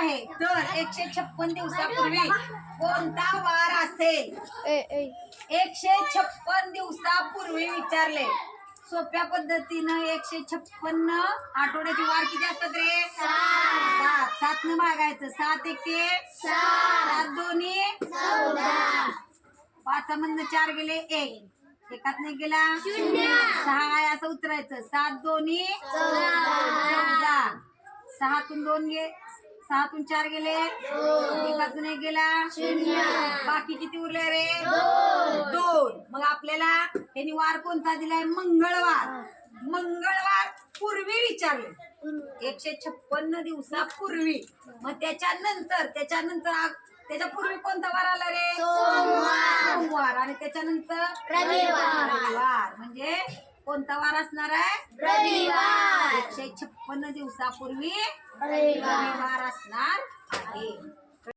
आहे तर 156 दिवसापूर्वी कोणता वार असेल? 156 दिवसापूर्वी विचारले. सोप्या पद्धतीनं 156 आठवड्याचे वार किती असतात रे? 7. 7 न भागायचं. 7 एके 7 दोन्ही 14. 5 मधनं 4 गेले 1. एकात नाही गेला 6 आहे असं उतरायचं. 7 दोन्ही 14. 6तून 2 गे 6तून 4 गेले 1 एक गेला 0. बाकी किती उरले रे? 2. मग आपल्याला यांनी वार कोणता दिलाय? मंगळवार. मंगळवार पूर्वी विचारले. 156 दिवसापूर्वी. मग त्याच्यानंतर त्याच्या पूर्वी कोणता वार आला रे? सोमवार. आणि त्याच्यानंतर रविवार. म्हणजे कोणता वार असणार आहे? रविवार. 156 दिवसापूर्वी रविवार असणार आहे.